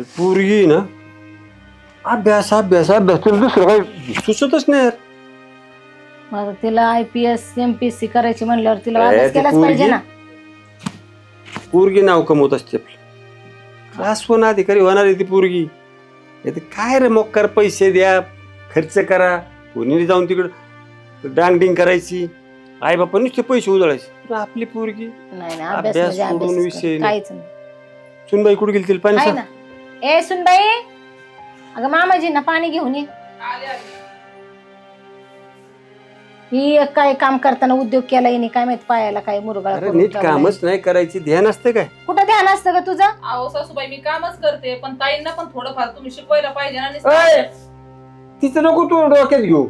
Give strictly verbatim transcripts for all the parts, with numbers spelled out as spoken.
पोरगी ना अभ्यास अभ्यास अभ्यास तुला दुसरं काही सुचतच नाही यार. मग तिला I P S M P S C करायची म्हणल्यावर तिला ए, अभ्यास ती केलाच पाहिजे पोरगी- ना. पोरगी नाव कमवत असते आपलं. क्लास वन अधिकारी होणार आहे ती पोरगी. नाही तर काय रे मोक्कार पैसे द्या खर्च करा कोणी जाऊन तिकडं डांगडिंग करायची आई बापा नुसते पैसे उजळायचे. पण आपली पोरगी नाही ना अभ्यास अभ्यास म्हणजे सोडून अभ्यास विषय कर. नाही. काहीच नाही. सुनबाई कुठे गेली तिला पाणी आहे सांग. ना. ए सुनबाई अगं मामाजींना पाणी घेऊन ये. ही एक काय काम करताना उद्योग केला हिने काय माहित पायाला काय मुरगाळा अरे करून नीट ठेवलाय. कामच नाही करायची ध्यान असतं काय. कुठं ध्यान असतं ग तुझं. अहो सासूबाई मी कामच करते पण ताईंना पण थोडंफार तुम्ही शिकवायला पाहिजे ना. अय! नुसतं- तिचं नको तू डोक्यात घेऊ.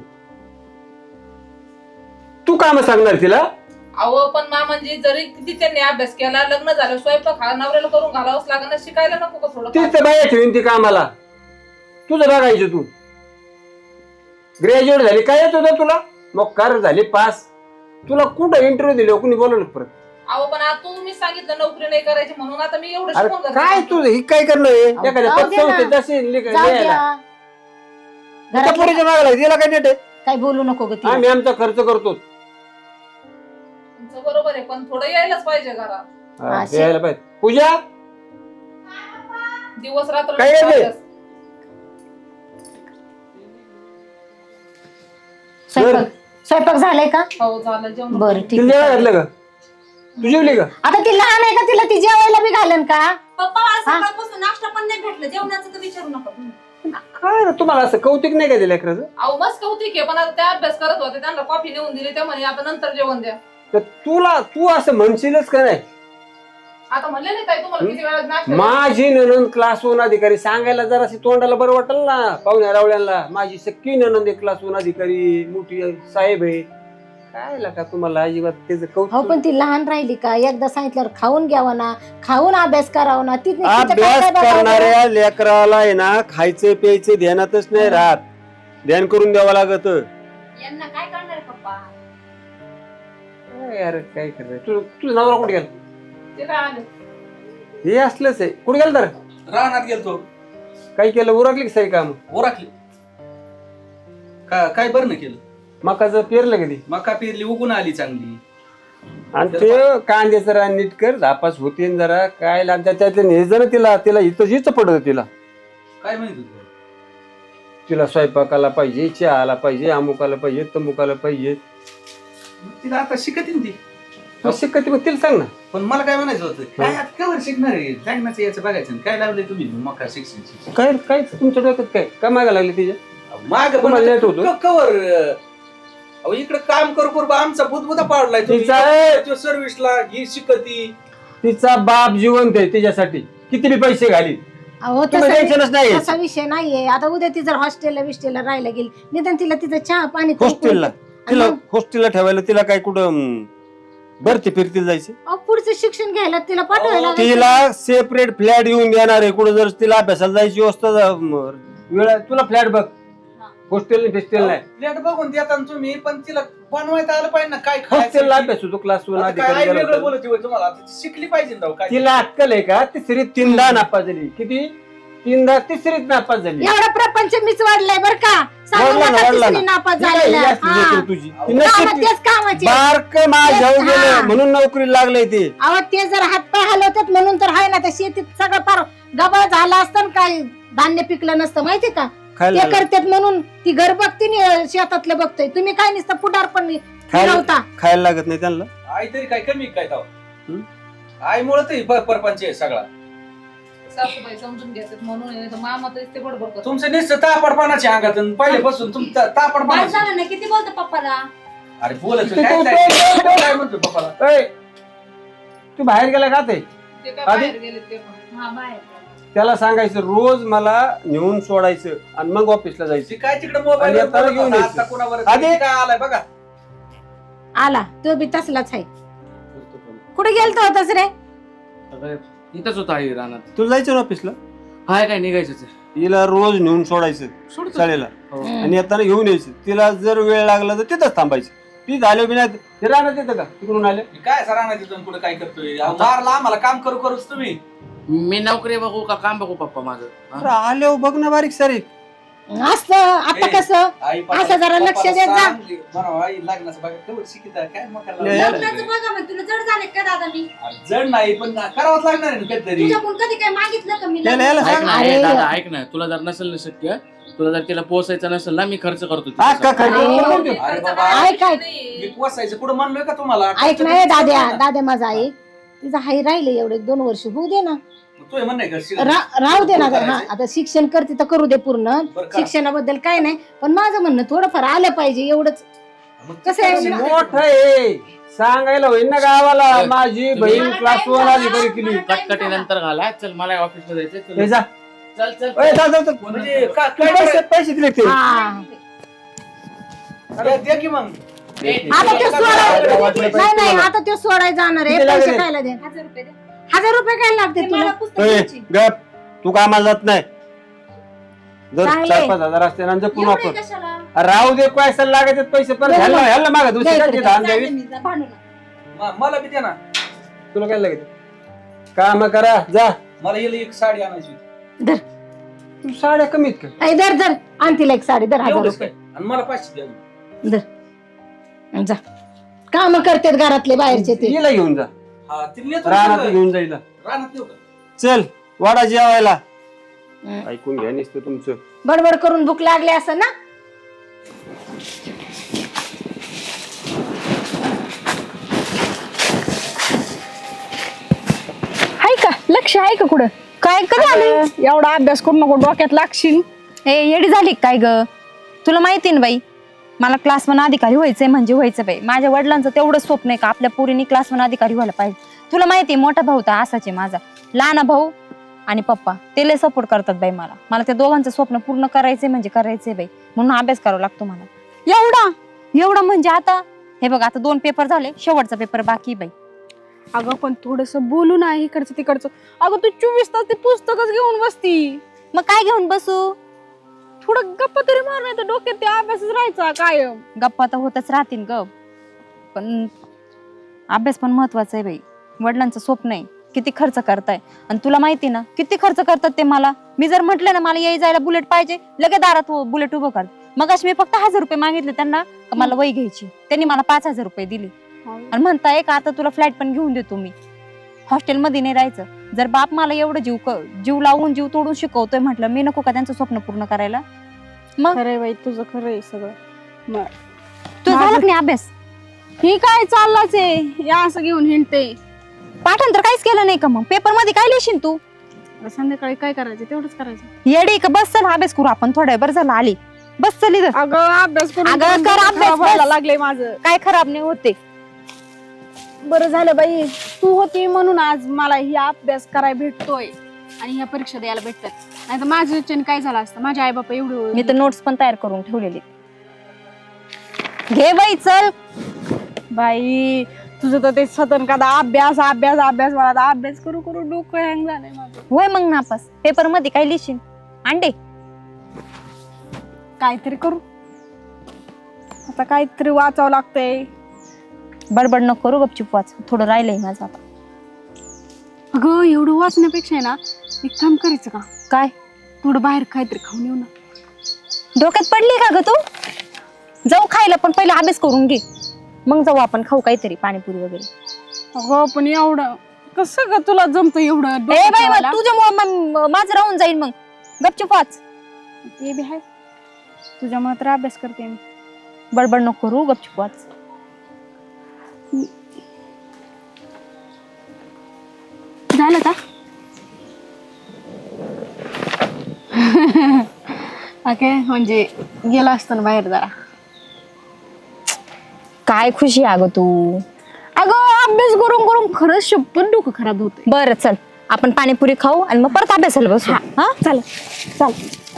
तू काम सांगणार तिला. अहो पण मामांजी जरी किती त्यांनी अभ्यास केला लग्न झालं स्वयंपाक हा नवऱ्याला करून घालावंच लागणार शिकायला नको का थोडं तीच बाया ठेवीन ती कामाला. तुझं बघायचं तू ग्रॅज्युएट झाली काय येत होतं तुला मग कार झाली पास. तुला कुठं इंटरव्ह्यू दिले कुणी बोलवलं परत. अहो पण आता तुम्ही सांगितलं नोकरी नाही करायची म्हणून आता मी एवढं अरे शिकून काय घातलं. तुझं ही काय करणं आहे? अहो, एखाद्या जाऊ दे पक्षावर ना. ते तसे लिह- जाऊ लिहायला. द्या. त्या घरातलं पोरीच्या मागं लागली. तिला काय नेट आहे. काय बोलू नको ग तिला. आम्ही आमचा खर्च करतो. तुमचं बरोबर आहे पण थोडं यायलाच पाहिजे घरात. हा, अशी- यायला पाहिजे. पूजा दिवस रात्र काय आहे ते? स्वयंपाक स्वयंपाक झालाय का. हो झालं जेवण. बरं ठीक तिला जेवायला आहे. घातलं का तू जेवली का. आता ती लहान आहे का तिला ती जेवायला बी घालन का. पप्पा आज हा? सकाळपासून नाश्ता पण नाही भेटलं जेवणाचं तर विचारू नका तुम्ही. काय रे तुम्हाला असं कौतिक नाही का दिलं लेकराचं. अहो मस्त कौतिक आहे पण आता त्या अभ्यास करत होते त्यांना कॉफी नेऊन दिली त्या म्हणे आता नंतर जेवण द्या. तर तुला तू असं म्हणशीलच का नाही. आता म्हणले नाही ताई तुम्हाला किती वेळा नाश्ता माझी ननंद क्लास वन अधिकारी सांगायला जराशी तोंडाला बरं वाटेल ना पाहुण्या रावळ्यांना. माझी सख्खी ननंद एक क्लास वन अधिकारी मोठी साहेब आहे. काय का तुम्हाला अजिबात त्याचं हो कौतुक. पण ती लहान राहिली का एकदा सांगितल्यावर खाऊन घ्यावं ना खाऊन अभ्यास करावा ना ती अभ्यास करणाऱ्या लेकराला आहे ना खायचं प्यायचं ध्यानातच नाही राहत. ध्यान करून द्यावं लागत. यांना काय करणार आहे पप्पा. यार काय करायचं तू तुझा नवरा कुठे गेला. ते काय आले हे असलंच आहे. कुठे गेलं तर रानात गेलतो. काही केलं उरकली की सही काम. ओराखली का काय बरं न केलं. मकाचं पेरलं कधी मका पेरली उगून आली चांगली. आणि ते कांद्याचं रान नीट कर झापास होते न जरा काय लागतं त्यातलं हे जरा तिला तिला इथं हिच पडत तिला. काय माहित होतं. तिला स्वयंपाकाला पाहिजे चहाला पाहिजे अमुकाला पाहिजे तमुकाला पाहिजे. मग तिला आता शिकतील ती. मग शिकत मग तिला सांग ना. पण मला काय म्हणायचं होतं काय आता कवर शिकणार आहे लग्नाचं याचं बघायचं काय लावलंय तुम्ही मका शिक्षण काय काय तुमच्या डोक्यात काय काय मागा लागले तिच्या. माग तुम्हाला लेट होतं? कवर अहो इकडे काम करू करू बा आमचा बुधबुधा पाडलाय तिचा- सर्व्हिसला ही शिकती. तिचा बाप जिवंत आहे तिच्यासाठी किती बी पैसे घाली. अहो तुम्ही टेन्शनच तसा नाही. तसा विषय नाहीये. आता उद्या ती जर हॉस्टेलला विस्टेलला राहायला गेली निदान तिला तिचं चहा पाणी करून- हॉस्टेलला तिला हॉस्टेलला ठेवायला तिला काय कुठं भरती फिरतील जायचे. अहो, पुढचं शिक्षण घ्यायला तिला पाठवायला लागेल. तिला सेपरेट फ्लॅट येऊन देणार आहे. कुठं जर तिला अभ्यासाला जायची व्यवस्था जा- म- वेळ आहे. तुला फ्लॅट बघ हॉस्टेल फेस्टेल नाही. प्लेट बघून देता ना तुम्ही पण तिला बनवायला आलं पाहिजे ना काय हॉस्टेलला खायचं. अभ्यास होतो क्लास वन आता काय वेगळं अधिकारी. बोलत होय तुम्हाला आता ती शिकली पाहिजे ना राव काय. तिला अक्कल आहे का तिसरीत तीनदा नापास झाली. किती तीनदा तिसरीत नापास झाली. एवढा प्रपंच मीच वाढलाय बर का सांगू वाढला ना, नका वाढला तिसरी ना. नापास ती काय झालेला. ही असली हा. लेकरं तुझी. ती कामं नशीब तेच कामाचे बारक माझ्या हा. गेलं म्हणून नोकरी लागलंय ते. अहो ते जर हातपाय हलवतात म्हणून तर आहे ना त्या शेतीत सगळं फार गबाळ झाला असतं ना काय धान्य पिकलं नसतं माहितीये का. खायला ते करतात म्हणून ती घर बघते नि शेतातलं बघतोय. तुम्ही काय नसतं पुढार पण खायला फिरवता. खायला लागत नाही त्यांना. आई तरी काय कमी काय ताव हं? आई मुळे तरी प- परपंच आहे सगळा. सासूबाई समजून घेतात म्हणून आहे, तर मामा तर ते बडबड करतात. तुमचं नुसतं तापडपणाच्या अंगात आणि पहिल्यापासून तुमचं बस तापडपणा. झालं ना किती बोलतो पप्पाला. अरे बोलत होय, काय काय काय म्हणतो पप्पाला. ऐ, तू बाहेर गेला का ते ते काय आधी- बाहेर गेले ते पण. हा बाय. त्याला सांगायचं रोज मला नेऊन सोडायचं आणि मग ऑफिसला जायचं. ती काय तिकडे मोबाईल आणि आता घेऊन यायचं. आता कोणावर आधी- काय आलाय बघा. आला तो बी तसलाच आहे. कुठे गेलतो होतास रे. इथंच होता आई रानात. तुला जायचं ना ऑफिसला. हाय काय निघायचंच आहे. तिला रोज नेऊन सोडायचं सोडतो. शाळेला हो. आणि येताना घेऊन यायचं. तिला जर वेळ लागला तर तिथंच थांबायचं. ती झालं बिना ते राहणार येतं का तिकडून आले. काय सरांना तिथून कुठे काय करतोय अहो, मारला आम्हाला काम करू करूच तुम्ही. मी नोकरी बघू का काम बघू पप्पा माझं हा? अरे आल्यावर बघ ना बारीक सारीक. असं आता ए, कसं आई असं जरा लक्ष देत जा. बरोबर आई लग्नाचं बघा केवढं शिकित आहे, काय मग करायला ले- लागलं? लग्नाचं बघा मग तुला जड झाले का दादा मी अरे जड नाही पण करावंच लागणार आहे ना कधीतरी. तुझ्याकडून कधी काय मागितलं का मी याला- याला लग्न? सांग. ऐक ना अरे. ए, दादा ऐक ना तुला जर नसेल ना शक्य तुला जर तिला पोसायचं नसेल ना मी खर्च करतो हा, का तिच्यासाठी. खर्च? अरे बाबा, ऐक ऐक मी पोसायचं कुठं म्हणलोय का तुम्हाला? ऐक नाही दाद्या दाद्या माझा ऐक तिचं हाई राहिले एवढे दोन वर्ष होऊ दे ना. तू हे म्हणणं आहे का शिक- रा- राहू दे ना पूर्ण गं. हा करायचं? आता शिक्षण करते तर करू दे पूर्ण. बरं करा. शिक्षणाबद्दल काय नाही पण माझं म्हणणं थोडंफार आलं पाहिजे एवढंच. मग कसं आहे? शिक- मोठं आहे सांगायला होईल ना गावाला माझी बहीण मला क्लास time वन झाला. अधिकारी केली. कटकटी नंतर घाला चल मला ऑफिसला जायचंय हे चल जा. चल चल ए, जा, जा, जा. म्हणजे का- काय पैसे करायचं? पैसे दिले ते. हा अरे द्या की मग. आता ते सोडायला नाही नाही आता ते सोडायला जाणार आहे. किती पैसे लागले? खायला दे. हजार रुपये दे. हजार रुपये काय लागते ते तुला? मला पुस्तक ए, घ्यायची. गप तू कामाला जात नाही जर चांगले. चार पाच हजार असते ना जपून एवढे वापर. कशाला? राहू दे पैसे लागायचे पैसे परत दे ह्याला मग. ह्याला मागा दुसरी दे काय इकडे. धान जाऊ द्यावी दे मी, जा, भांडू नका. म- मला बी द्या ना. तुला काय लागायचं काम करा जा. मला येईल एक साडी आणायची होती. धर तू साड्या कमीत का ऐ, धर धर आण तिला एक साडी धर हजार एवढंच रुपये काय आणि मला पाचशे द्या. धर जा. काम करतात घरातले बाहेरचे ते. हिला घेऊन जा हा तिला नेतो रानात ना. घेऊन जाईल रानात नेऊ का? चल वाडा जेवायला. हं. ऐकून घ्या नुसतं तुमचं. बडबड करून भूक लागली असं ना. आहे का लक्ष आहे का कुठं काय कधी आले एवढा अभ्यास करू नको डोक्यात लागशील. ए येडी झाली काय ग तुला माहिती ना बाई मला क्लास वन अधिकारी व्हायचंय म्हणजे व्हायचं बाई माझ्या वडिलांचं तेवढं स्वप्न आहे का आपल्या पोरीने क्लास वन अधिकारी व्हायला पाहिजे तुला माहिती मोठा भाऊ तर असाच आहे माझा लहान भाऊ आणि पप्पा ते लय सपोर्ट करतात बाई मला मला त्या दोघांचं स्वप्न पूर्ण करायचंय म्हणजे करायचंय बाई म्हणून अभ्यास करावा लागतो मला एवढा एवढा म्हणजे आता हे बघ आता दोन पेपर झाले शेवटचा पेपर बाकी बाई अगं पण थोडस बोलू ना इकडचं तिकडचं. अगं तू चोवीस तास ते पुस्तकच घेऊन बसती. मग काय घेऊन बसू थोडं गप्पा तरी मार नाही तर डोक्यात ते अभ्यासच राहायचा कायम. गप्पा तर होतच राहतील ग पण अभ्यास पण महत्वाचा आहे बाई वडिलांचं स्वप्न आहे किती खर्च करताय आणि तुला माहिती ना किती खर्च करतात ते मला मी जर म्हटलं ना मला याय जायला बुलेट पाहिजे लगेच दारात बुलेट उभं कर मग मी फक्त हजार रुपये मागितले त्यांना का मला वही घ्यायची त्यांनी मला पाच हजार रुपये दिले आणि म्हणताय का आता तुला फ्लॅट पण घेऊन देतो मी हॉस्टेलमध्ये नाही राहायचं जर बाप मला एवढं जीव क- जीव लावून जीव तोडून शिकवतोय म्हटलं मी नको का त्यांचं स्वप्न पूर्ण करायला मग खरंय बाई तुझं खरंय सगळं. मग तू झाला का नाही अभ्यास ही काय चाललाच आहे या असं घेऊन हिंडते. पाठांतर काहीच केलं नाही का मग पेपर मध्ये काय लिहिशील तू संध्याकाळी काय करायचं तेवढंच करायचं. येडी का बस चल अभ्यास करू आपण थोड्या बरं झालं आली बस चल इथं अगं अभ्यास करून अगं, करून कर डोकं अभ्यास, खराब व्हायला बस. लागले माझं. काय खराब नाही होते बरं झालं बाई तू होती म्हणून आज मला ही अभ्यास करायला भेटतोय आणि ह्या परीक्षा द्यायला भेटतात नाही तर माझ्या इच्छेने काय झालं असतं माझे आई बापा एवढं मी तर नोट्स पण तयार करून ठेवलेली घे बाई चल बाई तुझं तर ते सतन का अभ्यास अभ्यास अभ्यास मला आता अभ्यास करू करू डोकं हँग झालंय माझं. होय मग नापास पेपर मध्ये काय लिहिशील अंडे काहीतरी करू आता काहीतरी वाचावं लागतंय. बडबड नको करू गपचूप वाच थोडं राहिलंय माझं आता अगं एवढं वाचण्यापेक्षा आहे ना एक काम करायचं का काय थोडं बाहेर काहीतरी खाऊन येऊ ना. डोक्यात पडली का ग तू जाऊ खायला पण पहिले अभ्यास करून घे मग जाऊ आपण खाऊ काहीतरी पाणीपुरी वगैरे अगं पण एवढं कसं ग तुला जमतं एवढं ए डोकं बाई ठेवायला? मग तुझ्यामुळे माझं राहून जाईल मग गपचूप वाच ते बी आहे तुझ्यामुळे तर अभ्यास करते मी. बडबड नको करू गपचूप वाच झालं का ओके म्हणजे गेला असतो ना बाहेर जरा. काय खुशी आहे अगं तू अगं अभ्यास करून करून खरंच शप्पन डोकं खराब होत. बरं चल आपण पाणीपुरी खाऊ आणि मग परत अभ्यासाला बसू हा चल चल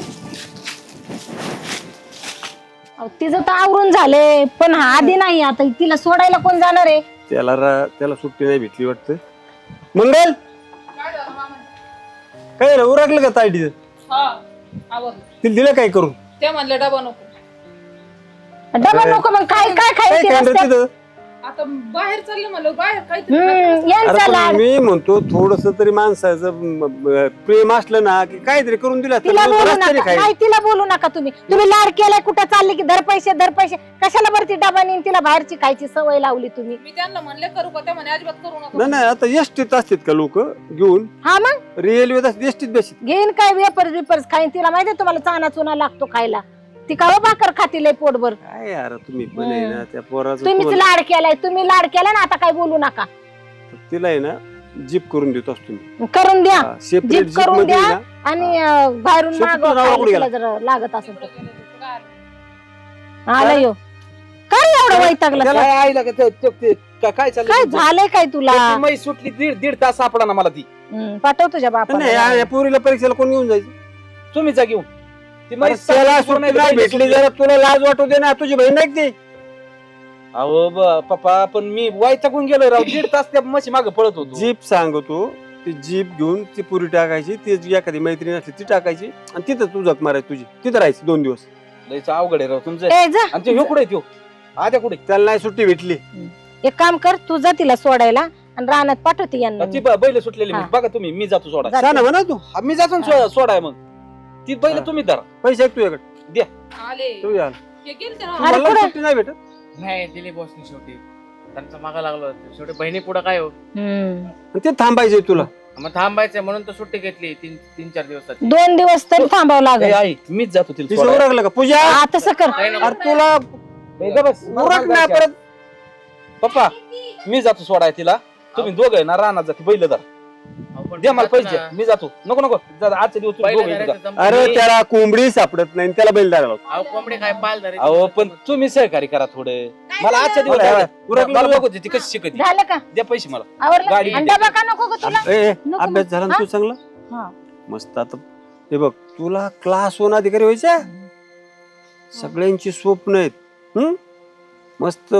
अहो, तिचं तर आवरून झाले पण हा आधी नाही आता तिला सोडायला कोण जाणार आहे. त्याला रा- त्याला सुट्टी नाही भेटली वाटतं. मंगल काय झालं मामा काय रे उरकलं का ताईडीचं हा आवडलं तिला दिलं काय करून ते म्हणले डबा नको डबा नको मग काय काय काय खायचं खाणार रस्त्यात? तिथं आता बाहेर चालले मला बाहेर काहीतरी हम्म, खायचं. यांचा अरे लाड पण मी म्हणतो थोडस तरी माणसाचं म- म- प्रेम असलं ना की काहीतरी करून दिला तर तिला मग बोलू रस्त्याने नका खाईल. नाही तिला बोलू नका तुम्ही तुम्ही लाड केलाय कुठं चालले की धर पैसे धर पैसे कशाला भरती डबा नेऊन तिला बाहेरची खायची सवय लावली तुम्ही मी त्यांना म्हणले करू का त्या म्हणे अजिबात करू नाही नका नाही आता एसटीत असतात का लोक घेऊन हा मग रेल्वेत असतात एसटीत बेसित घेईन काय वेपर्स बिपर्स खाईन तिला माहितीये तुम्हाला चाना चुना लागतो खायला ती का भाकर खातील पोटभर काय यार तुम्ही पण आहे ना त्या पोराचं तुम्हीच तुम्हाला- लाड केलाय तुम्ही लाड केला ना आता काय बोलू नका तिला आहे ना जीप करून देतो असतो मी करून द्या सेपरेट जीप जीप करून मध्ये द्या. आहे ना, आणि अं, बाहेरून शेपूट मागवा नावाला खायला कुठे तिला गेला? जर लागत असेल तर काय आलं यो काय एवढं वैतागलं त्याला काय आईला का ते- ते- ते- का- काय काय चाललं झालंय काय तुला ती मै सुटली दीड दीड तास सापडा ना मला ती हम्म, पाठव तुझ्या नाही या- बापाला या पोरीला परीक्षेला कोण घेऊन जायचं तुम्ही जा घेऊन ती मै अरे त्याला सापडली, सुट्टी नाही नाही भेटली. भेटली जरा तुला लाज वाटू दे ना तुझी बहीण नाही का ती अहो ब- पप्पा पण मी वैतागून गेलो राव दीड तास त्या म्हशी मागे पळत होतो जीप सांगतो ती जीप घेऊन ती पुरी टाकायची ती जी एखादी मैत्रीण असली ती टाकायची आणि तिथं तू जग मारायची तुझी तिथं राहायची दोन दिवस लयच अवघड आहे राव तुमचं ए जा आणि ते ह्यो कुठे त्यो आद्या कुठे त्याला नाही सुट्टी भेटली एक काम कर तू जा तिला सोडायला आणि रानात पाठवते यांना ती ब- बैल सुटलेली हा. मी. बघा तुम्ही मी जातो सोडा जा. सांग ना म्हणा तू हा, मी जातो ना सो- सोडाय मग ती बैल हा. तुम्ही धरा पैसे आहेत तुझ्याकडे आले तू या हे गेलते ना अरे मला कुठं? सुट्टी नाही भेटत नाही दिली बॉसनी शेवटी त्यांचा मागा लागलो शेवटी बहिणी पुढे काय हो हम्म. आणि ते थांबायचे तुला मग थांबायचंय म्हणून तर सुट्टी घेतली तीन तीन चार दिवसाची दोन दिवस तरी थांबावं ए, लागेल आई मीच जातो तिला तिचं सोडायला. उरकलं का पूजा हा, तसं कर नाही ना, अरे तुला ए, जा बस. उरक ना परत पप्पा मी जातो सोडाय तिला तुम्ही दोघं आहे ना रानात जाते बैल धरा अहो, पण दे मला जातो पैसे ना. मी जातो नको नको जा, आजच्या दिवस तुम्ही पहिलं दोघं इथं जा. धरायचं जमलं अरे नाही. त्याला कोंबडी सापडत नाही आणि त्याला बैल धरायला लावतो. अहो कोंबडी काय पाल धरायची. अहो पण तुम्ही सहकार्य करा थोडे मला आजच्या दिवस बरं, जाऊ द्या. उरकलं मला तुला? बघू दे ती कशी शिकत झालं का द्या पैसे मला आवरलं गाडी आणि द्या. डबा का नको ग तुला ए, ए, नको अभ्यास झाला ना हा? तू चांगला हा. मस्त आता हे बघ तुला क्लास वन अधिकारी व्हायचा सगळ्यांची स्वप्न आहेत हम्म? मस्त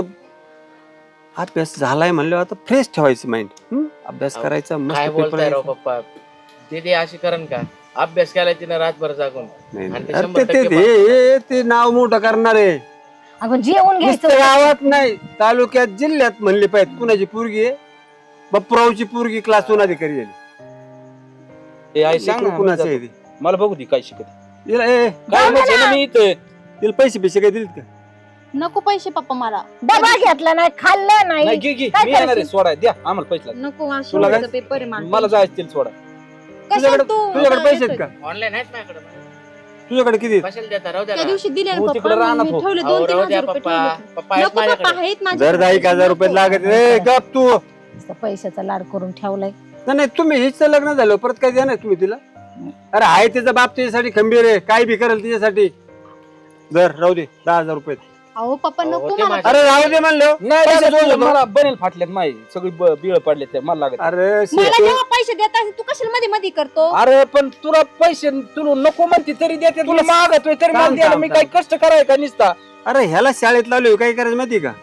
अभ्यास झालाय म्हणल्यावर आता फ्रेश ठेवायचं माइंड अभ्यास अहो, करायचा मस्त काय पेपर बोलताय राव द्यायचा. पप्पा दीदी अशी करण का अभ्यास केलाय तिने रातभर जागून नाही, आणि नाही. ते अरे शंभर ते- ते- टक्के हे- हे- ते नाव मोठं करणार आहे अगं जेवण नुसतं घ्यायचं गावात नाही तालुक्यात जिल्ह्यात म्हणले पाहिजे कुणाची पोरगी आहे बप्परावची पोरगी क्लास वन अधिकारी झाली ए आई सांग लेकरं ना, मी कुणाचं आहे जातो. ते? मला बघू दे काय शिकत हिला- ए, काय म्हणजे ना मी इथं तिला पैसे पैसे काय दिलेत का नको पैसे पप्पा मला डबा घेतला नाही खाल्लं नाही नाही घे घे काय मी येणार आहे करशील? सोडाय द्या आम्हाला पैसे लागले. नको मला तुला काय? शेवटचा पेपर आहे मला. मला जायचं तिला सोडा कशाला तुझ्याकडे तू तुझ्याकडे मला पैसे आहेत येतोय? का ऑनलाईन आहेत माझ्याकडे तुझ्याकडे किती आहेत? कशाला देता राहू द्या त्या ना. दिवशी दिले ना हो, पप्पा तिकडे राहणार मी हो. ठेवले अहो, दोन तीन राहू द्या हजार रुपये पप्पा ठेवले. पप्पा आहेत नको पप्पा माझ्याकडे आहेत जर माझ्याकडे. दहा एक हजार रुपये लागत ए गप तू नुसतं पैशाचा लाड करून ठेवलाय नाही नाही तुम्ही हेच तर लग्न झालं परत काय द्या नाही तुम्ही तिला अरे आहे त्याचा बाप त्याच्यासाठी खंबीर आहे काय बी करेल तिच्यासाठी जर राहू दे दहा हजार रुपये अहो पप्पा अहो, नको ते मला माझ्या- अरे राहू दे म्हणलं नाही पैसे दादा, दोन तुझं देतो. मला बनेल फाटल्यात माही सगळी ब- बिळ पडले ते मला लागत अरे मला शेतू- जेव्हा पैसे देत असेल तू कशाला मध्ये मध्ये करतो अरे पण तुला पैसे तुला नको म्हणते तरी देते तुला मागतोय तरी मला थांब, द्यायला थांब, मी थांब. काय कष्ट कराय का निसता अरे ह्याला शाळेत लावले काय करायचं माहिती का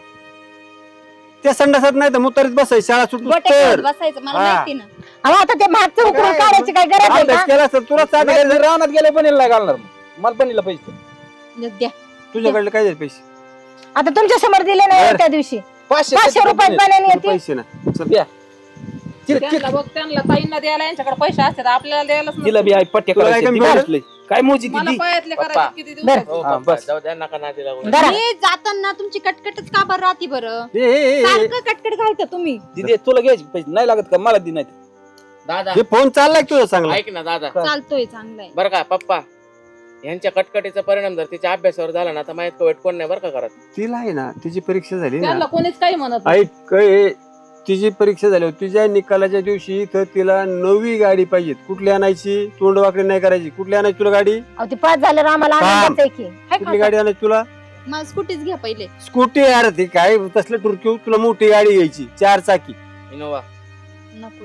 त्या संडासात नाही तर मुतारीत बसायची शाळा सुटू गोटे तर खेळत बसायचं मला हा. माहिती ना अहो आता ते मागचं उकरून काय? काढायची काय गरज आहे अभ्यास का केला असता तुला साधं नाही, काय रानात गेले बनेल नाही घालणार मग. मला बनीला पैसे द्या तुझ्याकडे काय जाईल पैसे आता तुमच्या समोर दिले नाही बरं. त्या दिवशी पाचशे पाचशे रुपये रुपयात बनेल. बनाने तुला येते पैसे ना चल. द्या. ति- त्यांना बघ त्यांना ताईंना द्यायला यांच्याकडे पैसे असतात आपल्याला द्यायलाच तिला नसतात. बी आई पट्ट्या तुला काय करायच्या, कमी ती पडलं? बसलंय. काय मोजी मला दिदी पायातले पप्पा. करायचे किती बरं. दिवस हो हा, पप्पा बस. जाऊ द्या नका नादी लागू जरा मी जाताना तुमची कटकटच का बरं राहते बरं ए, ए, ए, ए, सारखं कटकट घालता तुम्ही दिदी तुला घ्यायचे पैसे नाही लागत का मला दि नाही दादा हे फोन चाललाय तुझा चांगला ऐक ना दादा चालतोय चांगलंय बरं का पप्पा यांच्या कटकटीचा परिणाम जर तिच्या अभ्यासावर झाला ना तर माहित वाईट कोण नाही बरं का करत तिला आहे ना तिची परीक्षा झाली त्यांना ना कोणीच काही म्हणत नाही. ऐक ए, तिची परीक्षा झाली होती. तिच्या निकालाच्या दिवशी तर तिला नवी गाडी पाहिजे कुठली आणायची तोंड वाकडी नाही करायची कुठली आणायची तुला गाडी अहो ते पाच झालं आम्हाला थांब. आनंदच आहे की हाय कुठली का? गाडी आणायची तुला मला स्कूटीच घ्या पहिले स्कूटी यार ती काय तसलं टुरकी तुला मोठी गाडी घ्यायची चार चाकी इनोवा नको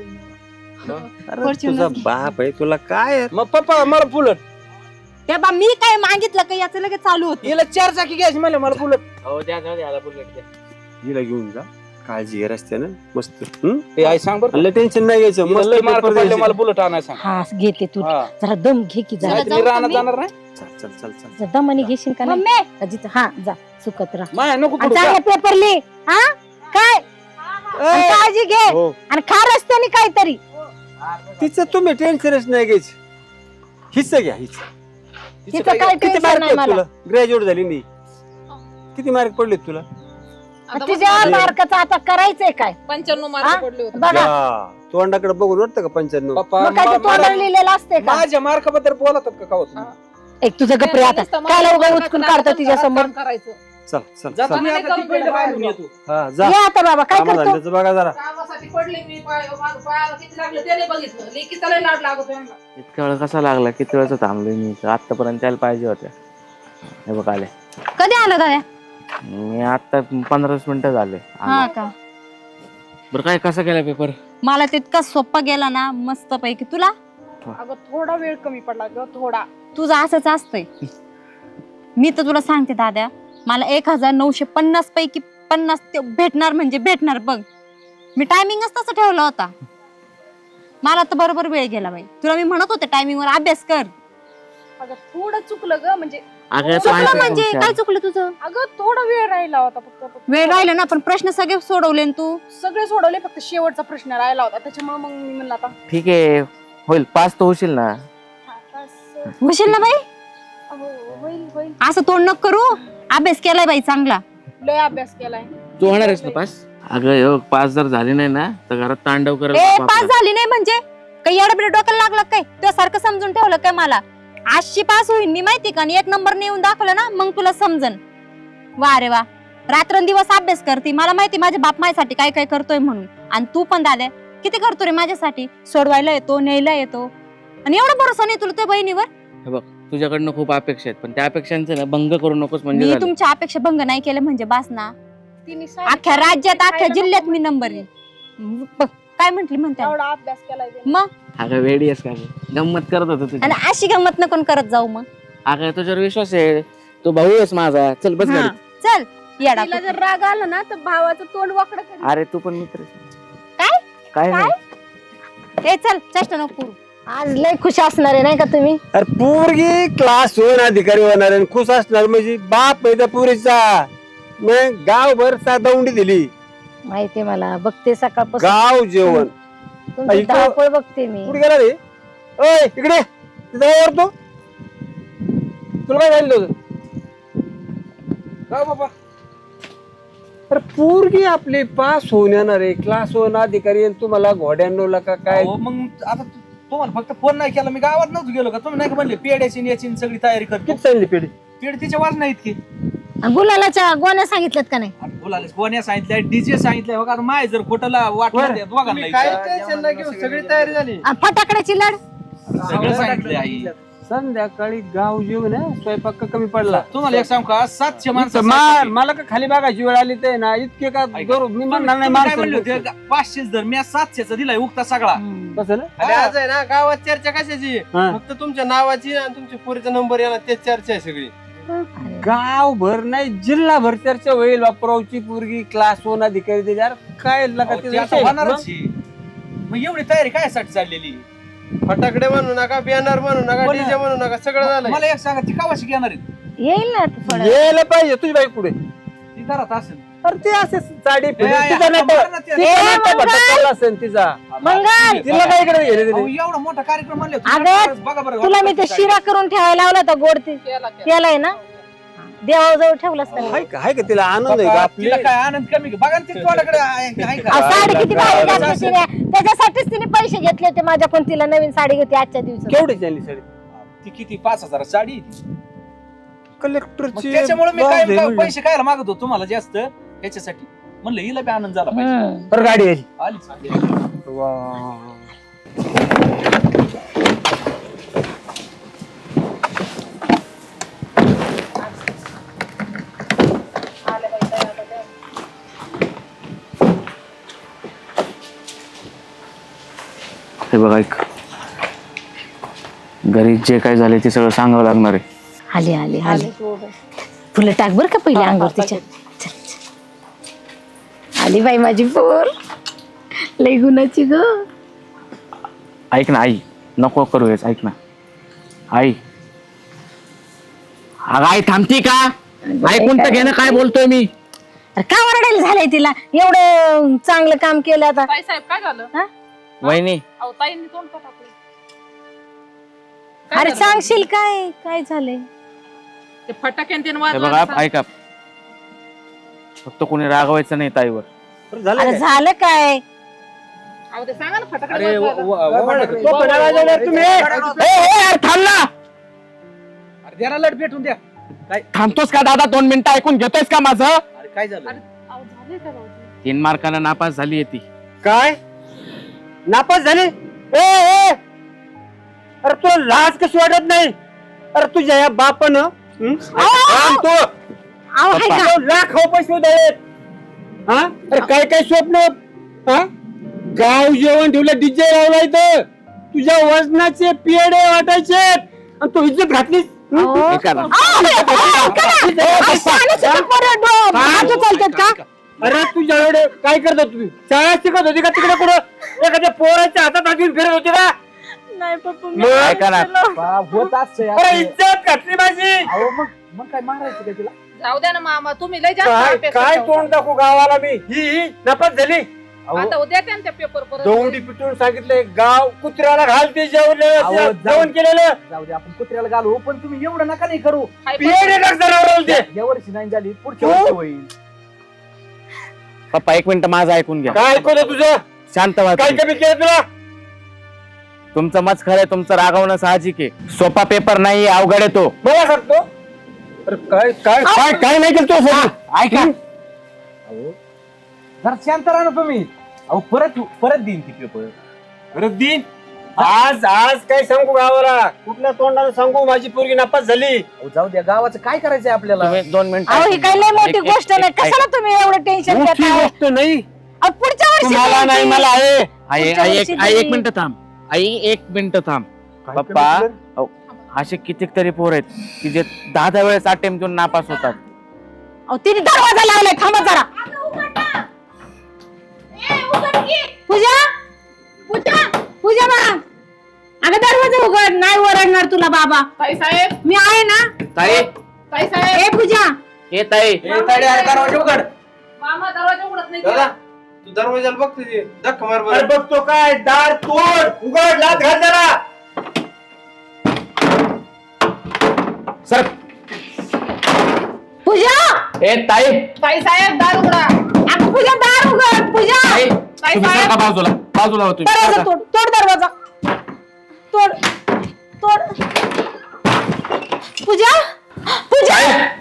अरे Fortuner तुझा घे. बाप आहे तुला काय मग पप्पा मला बुलट त्या बा मी काय मागितलं का याचं लगेच चालू होत हिला चार चाकी घ्यायची मला मला बुलट हो द्या जाऊ द्या बुलेट द्या हिला घेऊन जा काळजी घे रस्त्यानं मस्त हं? ए आई सांग बरं आणि टेन्शन नाही घ्यायचं हिला मस्त लय मार्क पेपर पडले, द्यायचे. मला बुलट आणाय सांग हा घेते तू हा. जरा दम घे की जरा जरा नाहीतर जाऊ मी का रानात मी? जाणार नाही चल चल चल चल जरा दमाने घेशील का नाही मम्मी अजित हा जा सुकत राहा माया नको आणि पडू चांगले पेपर लिह हा काय आणि ए, काळजी घे हो. आणि खा रस्त्याने काहीतरी. तिचं तुम्ही टेन्शनच नाही घ्यायचं. हिस्सा घ्या हिस्सा. तिचं काय किती टेन्शन मार्क नाही आहेत मला. तुला? ग्रॅज्युएट झाली नाही. किती मार्क पडले तुला? आता तुझ्या बघ, मार्काचं आता करायचंय काय? पंच्याण्णव हा? मार्क पडले होते. बघा या, तोंडाकडे बघून वाटतं का पंच्याण्णव? मग काय ते तोंडाला लिहिलेलं असते का? माझ्या मार्काबद्दल बोलतात का का होत एक तुझं गप्रे आता काय उगा उचकून काढतो तिच्या समोर. काम करायचं. चल चल जा चल. तुम्ही आता तिकडे बाहेरून येतो. हा जा. ये आता बाबा काय करतो? कामाधंद्याचं बघा जरा. कामासाठी पडले मी पाय माझं पायाला किती लागलं त्याने बघितलं. लेकीचा लय लाड लागतो यांना. इतका वेळ कसा लागला किती वेळचं थांबलोय मी आतापर्यंत त्याला पाहिजे होत्या. हे बघ आले. कधी आलं दादा? मी आता पंधरा वीस मिनिटं झाले हा आलो. का? बरं काय कसा केला पेपर? मला तितका सोपा गेला ना मस्त पैकी. तुला? अगं थोडा वेळ कमी पडला ग, थोडा. तुझं असंच असतंय. मी तर तुला सांगते दादा, मला एक हजार नऊशे पन्नास पैकी पन्नास ते भेटणार म्हणजे भेटणार बघ. मी टायमिंगच तसं ठेवला होता. मला तर बरोबर वेळ गेला बाई. तुला मी म्हणत होते टायमिंग वर अभ्यास कर. अगं थोडं चुकलं ग, म्हणजे अगं तू चुकलं आहेस म्हणजे हुशार. काय चुकलं तुझं? अगं थोडा वेळ राहिला होता फक्त. वेळ राहिला ना, पण प्रश्न सगळे सोडवले ना तू. सगळे सोडवले, फक्त शेवटचा प्रश्न राहिला होता. त्याच्यामुळे मग मी म्हणलं आता ठीक आहे होईल. पास तर होशील ना? हा, बस. होशील ना बाई? हो, होईल होईल. असं तोंड नको करू. अभ्यास केलाय बाई चांगला. लय अभ्यास केलाय. तू होणार आहेस ना पास? अगं ह्यो पास जर झाली नाही ना तर घरात तांडव करेल ए बाप पास आपला. झाली नाही म्हणजे काही एवढं डोक्याला लागलं काय? तुझ्यासारखं समजून ठेवलं काय मला? आजची पास होईल मी माहिती का? आणि एक नंबर नेऊन दाखवलं ना मग तुला समजन. वा रे वा, रात्रंदिवस अभ्यास करते. मला माहिती माझ्या बाप माझ्यासाठी काय काय करतोय म्हणून. आणि तू पण दादा किती करतो रे माझ्यासाठी. सोडवायला येतो, न्यायला येतो. आणि एवढा भरोसा नाही तुला त्या बहिणीवर? हे बघ तुझ्याकडनं खूप अपेक्षा आहेत पण त्या अपेक्षांचे ना भंग करू नकोस म्हणजे मी झालं. तुमच्या अपेक्षा भंग नाही केलं म्हणजे बास ना. तिने अख्ख्या राज्यात अख्ख्या खायला जिल्ह्यात नको मी नंबर येईल. बघ, काय म्हंटली म्हणते एवढा अभ्यास केलाय तिने. मग. अगं वेडी आहेस का गं? गंमत करत होतो तुझी. आणि अशी गंमत नको करत जाऊ मग. अगं तुझ्यावर विश्वास आहे. तू भाऊ आहेस माझा. चल बस हा, गाडीत. चल येडा तिला जर राग आला ना तर भावाचं तोंड वाकडं कर. अरे तू पण मित्र आहेस. काय? काय नाही. ए चल चेष्टा नको करू. आज लय खुश असणार आहे नाही का तुम्ही? अरे पोरगी क्लास वन अधिकारी होणार आणि खुश असणार म्हणजे बाप आहे त्या पोरीचा. मग गावभर सा दौंडी दिली. माहिती मला, बघते सकाळपासून गाव जेवण. तुमची ऐकू. धावपळ बघते मी. कुठे गेला रे? ओय इकडे तिथं वर तू. तुला काय झालं होतं? का बाबा अरे पोरगी आपली पास होऊन येणार आहे क्लास वन अधिकारी आणि तुम्हाला घोड्यांनो का काय? अहो, मग आता तु- तुम्हाला फक्त फोन नाही केला. मी गावात नव्हतो गेलो का? तुम्ही नाही का म्हणले पेड्याची आणि याची आणि सगळी तयारी करतो. किती चालली पेढी? पेड तिच्या वाज नाही इतकी. आणि गुलालाच्या गोण्या सांगितल्यात का नाही? आता बोलायला कोण्या सांगितलंय डीजे सांगितलंय बघा. आता माय जर खोटला वाटलं त्या दोघांना काय विचार. टेन्शन नाही घेऊ, सगळी तयारी झाली. आणि फटाकड्याची लढ. सगळं सांगितलंय आई. संध्याकाळी गाव जेवण आहे, स्वयंपाक का कमी पडला? तुम्हाला एक सांग का सातशे माणसं मा- मला का खाली बघायची वेळ आली ते ना इतके का ऐका. गौरव मी म्हणणार नाही तुम्ही काय म्हणले माणसं. होते? पाचशे जर मी सातशेचा दिलाय उगता सगळा. कसं ना? आणि आज आहे ना गावात चर्चा कशाची? हा. फक्त तुमच्या नावाची आणि तुमच्या पोरीचा नंबर येणार तेच चर्चा आहे सगळी. गावभर नाही जिल्हाभर चर्चा होईल. बापरावची पोरगी क्लास वन अधिकारी दिली. यार काय लका अहो, ते ते आता विषय? होणारच आहे. मग एवढी तयारी काय साठी चाललेली? फटाकडे म्हणू नका, बॅनर म्हणू नका, बोला. डीजे म्हणू नका, सगळं झालंय. मला एक सांगा ती कावाशी घेणार आहेत? येईल ना आता थोडं. यायला पाहिजे तुझी बाई पुढे. ती घरात असेल. अरे ते असे साडी ए, फिरून आई, तिचा आता नाटक बरं ना ते- तिचा नाटक भटक चालला असेल तिचा. मंगल तिला काय इकडे गेले अहो, तिने? एवढा मोठा कार्यक्रम म्हणले अगं, बघा बरं तुला मी ते शिरा करून ठेवायला लावला होता गोड ते केला केला. केलाय ना देवाजवळ ठेवलास का नाही? हाय का हाय का तिला आनंद आहे का बघा, आपली? तिला काय आनंद कमी का? बघा ना ते तोंडाकडे आहे- आहे का? अहो, साडी किती भारी अगं, घातली तिने. त्याच्यासाठीच तिने पैसे घेतले होते माझ्याकडून. तिला नवीन साडी होती आजच्या दिवसात. केवढी चालली साडी? ती किती पाच हजार साडी आहे ती. मग कलेक्टरची त्याच्यामुळे मी बाप काय रे काय म्हणलं. पैसे खायला मागत होतो तुम्हाला जास्त ह्याच्यासाठी. म्हणलं हिला बी आनंद झाला पाहिजे. हम्म. बरं गाडी आली. आलीच. वा. हे बघ ऐक, घरी जे काय झाले ते सगळं सांगावं लागणार आहे. आली आली आली फुलं टाक बर का पहिले अंगावर तिच्या. चल, चल. आली बाई माझी पोर लई गुणाची ग. ऐक ना आई, नको करू हेच. ऐक ना आई. अगं आई थांबती का? ऐकून तर घे ना काय बोलतोय मी. अरे का ओरडायला झालंय तिला? एवढं चांगलं काम केलं आता. ताई साहेब काय झालं? हा? वहिनी अहो ताईंनी तोंड का टाकलं? अरे काय झालं? सांगशील काय काय झालंय? ते फटाक्यान तीन हे वाजवलं बघा सांग. ऐका, फक्त कोणी रागवायचं नाही ताईवर. बरं झालं अरे काय? झालं काय? अहो ते सांगा ना फटाकडे अरे वाजवायला. व- व- व- फटाकडे. तो पण वाजवणार तुम्ही. ए, ए, यार, थांब ना. अरे जरा लट भेटून द्या. काय थांबतोस का दादा? दोन मिनिटं ऐकून घेतोयस का माझं? अरे काय झालं? अहो झालंय का भाऊजी? तीन मार्कानं नापास झाली ती. काय नापास झाले? ए ए अरे तुला लाज कशी वाटत नाही? अरे तुझ्या या बापानं हं? थांब तू. अहो हाय का? तो लाख हो पैसे द्यायत. हा अरे काय काय स्वप्न हा गाव जेवण ठेवलं, डीजे लावला इथं, तुझ्या वजनाचे पेढे वाटायचे आणि तू इज्जत घातलीस. हं? अहो, ऐका ना. अहो, अहो, ऐका ना. अहो, शाळेत सुद्धा पोरं डो- भाजी चालतात का? अरे तुझ्या एवढे काय करत होती तू? शाळा शिकत होती का तिकडे कुठं एखाद्या पोराच्या हातात हात घेऊन फिरत होती का? नाही पप्पा मी मग? ऐका ना. बाप, होत असतंय अरे असं. इज्जत घातली माझी. अहो मग मग काय मारायचं काय तिला? जाऊ द्या ना मामा, तुम्ही लय जास्त काय अपेक्षा काय ठेवता. तोंड दाखवू गावाला मी? ही ही नापास झाली. अहो, आता उद्या त्या त्या पेपर परत दौंडी पिटून सांगितलंय, गाव कुत्र्याला घालते जेवलेलं अहो, जेवण जाऊ- केलेलं जाऊ दे, आपण कुत्र्याला घालू, पण तुम्ही एवढं नका नाही करू. हाय पेढे टाक जनावराला ते. या वर्षी नाही झाली, पुढच्या हो. वर्षी होईल. पप्पा एक मिनिट माझं ऐकून घ्या. काय ऐकवलं तुझं? शांत व्हा काय तुम्ही. कमी केलं तुला? तुमचं मत खरंय, तुमचं रागवणं साहजिक आहे. सोपा पेपर नाही, अवघड आहे तो. मला सांगतो. अरे काय काय काय काय नाही केलं तू? ऐका, अहो जरा शांत राहा ना तुम्ही. अहो परत परत देईन ती पेपर. अरे दिन आज आज काय सांगू गावाला? कुठल्या तोंडाने सांगू माझी पोरगी नापास झाली? अहो जाऊ द्या, गावाचं काय करायचंय आपल्याला? तुम्ही दोन मिनिटं अहो ही ऐकून काय लय घ्या. मोठी एक- एक- गोष्ट नाही. एक- ऐक. कशाला तुम्ही एवढं टेन्शन मोठी घेताय? गोष्ट नाही, अहो, पुढच्या वर्षी तुम्हाला नाही द्यायची. मला आहे. आई पुढच्या आई एक वर्षी आई एक देईन. मिनिट थांब. आई एक मिनिट थांब. काय पप्पा, कमी केलं? अहो, असे कितीतरी पोर आहेत की जे दहा दहा वेळेस अटेम्प्ट देऊन नापास होतात. अहो तिने दरवाजा लावलाय, थांबा जरा. पूजा पूजा पूजा बा, अगं दरवाजा उघड. नाही ओरडणार तुला बाबा, ताई साहेब, मी आहे ना. ताई, ताई साहेब, ए पूजा, हे ताई, ए, ताडे, अरे दरवाजा उघड. मामा दरवाजा उघडत नाही दादा का? तू दरवाजाला बघ तुझी धक्का मार अरे बरं. बघतो काय, दार तोड, उघड, लाथ घाल जरा. सर. पूजा, हे ताई, ताई साहेब दार उघडा. अगं पूजा दार उघड. पूजा, ताई, ताई तुम्ही साहेब. सरका बाजूला, बाजूला हो तुम्ही. दरवाजा सरका. तोड, तोड दरवाजा, तोड तोड. पूजा पूजा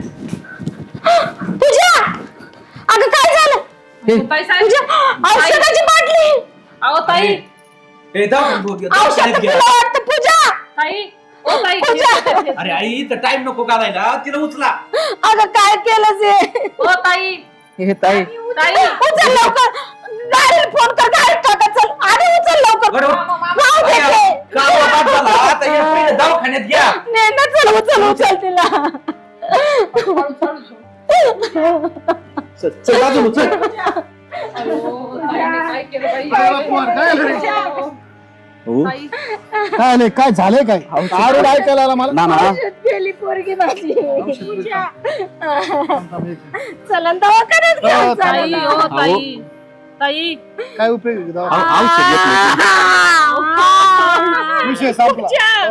पूजा, अगं काय झालं? ताई साहेब, पूजा, औषधाची बाटली. अहो ताई, ए, जाऊ दे, जाऊ दे, औषध दवाखान्यात घ्या. तुला वाटतं पूजा? ताई, ओ ताई, पूजा. अरे आई, इथं टाइम नको घालायला, तिला उचला. अगं काय केलं ते? ओ ताई, हे ताई, ताई, उचल लवकर, गाडीला फोन कर, गाडीत टाका. चल आधी उचल लवकर. बरोबर. मामा, मामा. राहू दे ते. गावा बाद झाला, आता हे पहिलं दवाखान्यात घ्या. ने ना, चल उचल उचल तिला. हळू, हळू, हळू. चल, चल, बाजूला, चल. अहो, ताईने काय केलं बाई? काय बाप्पा, काय झालं? ताई, काय नाही, काय झालंय काय आरोड ऐकायला आला मला. ना ना औषध गेली पोरगी माझी. पूजा. चला दवाखान्यात घेऊन हो, चला. ताई, ओ ताई, ताई. काय उपयोग आहे दवा- औ- औषध घेतलं. आ. विषय संपला.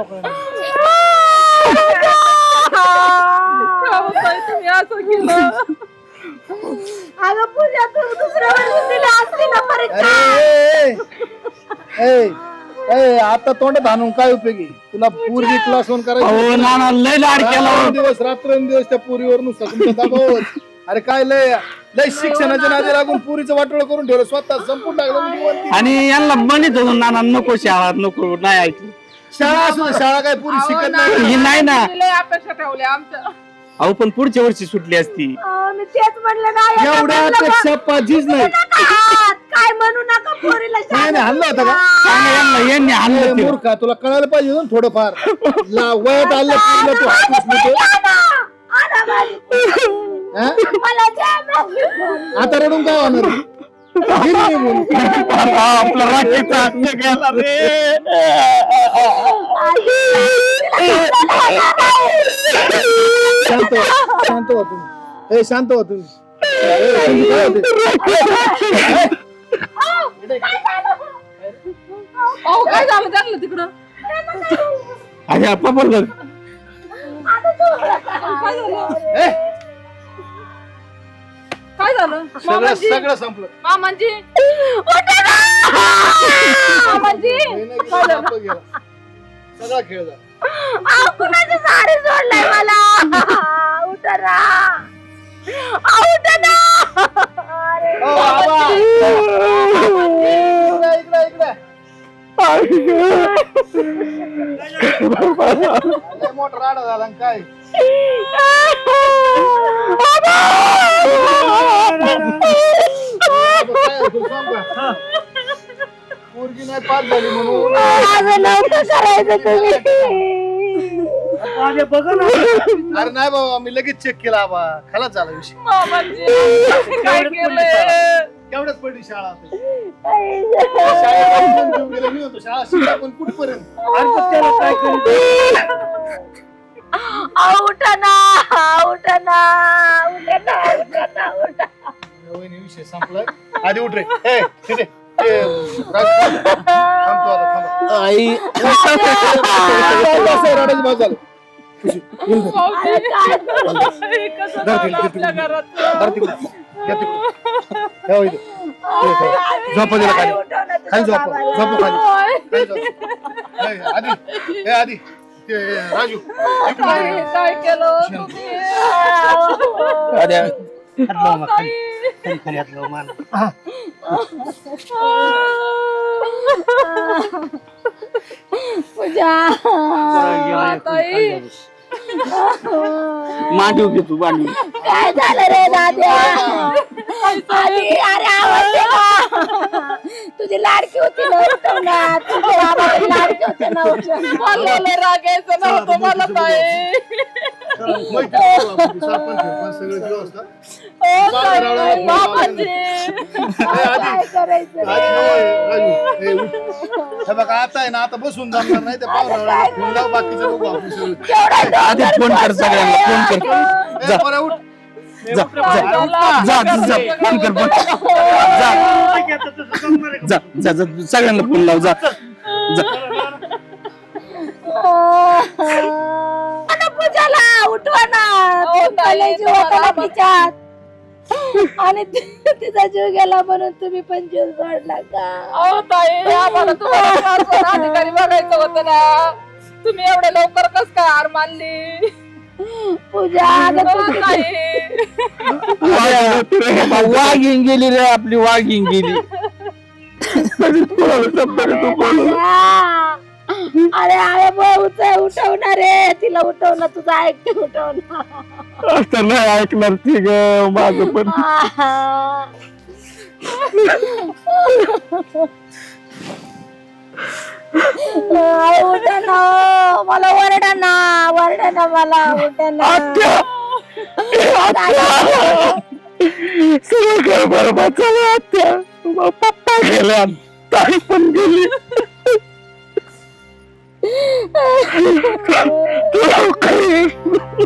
का हो ताई, तुम्ही असं केलं? अगं पूजा, तू दुसऱ्या वेळेस दिली असती ना परीक्षा. अरे ए, ए, ए, आता तोंडात आणून काय उपयोगी? तुला पूर्वी क्लास वन हो ना ना, लय लाड केला हो. दिवस रात्रंदिवस त्या पुरीवर नुसतं तुमचा दबाव. अरे काय लय लय शिक्षणाच्या नादी लागून पुरीचं वाटोळ करून ठेवलं, स्वतः संपून टाकलं. म्हणजे वरती. आणि यांना म्हणत होतो नाना नको शाळा नको, नाही ऐकलं. शाळा असू दे, शाळा काय पुरी अहो, शिकत नाही, नाही. ही नाही ना. तुम्ही लय अपेक्षा ठेवल्या आमच्या. अहो पण पुढच्या वर्षी सुटली असती. अं, मी तेच म्हणलं ना, यांना म्हणलं एवढ्यापेक्षा बा, पाचीच नाही. नका हात, काय म्हणू नका पोरीला. नाही नाही, हल्ला होता का? सांगा यांना, यांनी ए, आणलं ते. मूर्खा, तुला कळायला पाहिजे ना थोडंफार. ला- वयात आलं पुरीला तू हात उचलतो. आणा माझी पोरगी. हा? मला द्या माझी पोरगी. आता रडून काय होणार? गेली निघून. आपला राखीचा हत्या केला रे. शांत व्हा, शांत व्हा तुम्ही. ए, शांत व्हा तुम्ही. अहो काय झालं त्यांना तिकडं अरे आप्पा पण बघ. काय झालं काय झालं सगळं मामांजी सगळं संपलं मामांजी मामांजी नाही, नाही, गेला, बाप गेला. सगळा खेळ झाला कुणाची साडी सोडलाय मला उठा ना उठा ना ओ, आबा. इकडे, इकडे, इकडे. लय मोठा राडा झाला आणि काय आबा, काय तुला सांगू का? पोरगी नाही पास झाली म्हणून माझं नव्हतं करायचं तुम्ही अरे नाही बाबा मी लगेच चेक केला आबा खलाच झाला विषय मामांजी काय केलंय केवढ्याच पडली शाळा आता. शाळेत कोण घेऊन गेलं मी होतो शाळा शिकला पण कुठपर्यंत उठा ना उठा ना उठा ना उठा ना उठा वहिनी विषय संपलाय आधी उठ रे ए, तिथे. ते, राज, थांब तू आता, थांब. आई असं रडायचं बाद झालं. खुशी, येऊन जा. कसं धर झालं तिकडे, आपल्या तिकडे. घरात धर तिकडे. घ्या तिकडे. ठेवा इथे. हे, ठेवा. झोपा दिला खाली खाली झोपा झोपा खाली खाली झोपा. ए, आधी ए आधी ते राजू इकडून काय ये. काय केलं तुम्ही पूजा ताई मांडू घे तू मांडू काय झालं रे दाद्या आधी अरे आवाज दे ना. तुझी लाडकी होती ना उठव ना तुझे बाबाची लाडकी होते ना उठव मला लय राग यायचं नव्हतं मला ताई माहिती आहे तुला, आपण सरपंच सरपंच सगळं व्यवस्था. ओ ताई, रावळा, मामांजी ए, आधी काय करायचं आधी नवं, राजू ए, उठ. हे बघा आता आहे ना आता बसून जमणार नाही ते पाहुण्याला फोन लाव बाकीचं बघू आपण सगळं. आधी फोन कर सगळ्यांना फोन कर ए, पोरा, उठ. जा जा जा जा फोन कर फोन जा जा जा जा सगळ्यांना फोन लाव जा जा ना पूजाला उठवा ना हो, ते ताई, कलेजी होता ना मला- तिच्यात आणि ति- तिचा जीव गेला म्हणून तुम्ही पण जीव सोडला का अहो ताई आम्हाला तुम्हाला शासन अधिकारी बघायचं होतं ना तुम्ही एवढ्या लवकर कस काय हार मानली पूजा अगं हो, तू- ताई वाघीन गेली रे आपली वाघीन गेली अरे अरे भाऊच उठवणार रे तिला उठवणार तुझं ऐकते उठवणार असं नाही ऐकणार ती ग माझं पण उठा ना मला ओरडा ना ओरडा ना मला उठा ना सगळं घर बरबाद झालं आत्या पप्पा गेल्या ताई पण गेली तू लवकर ये.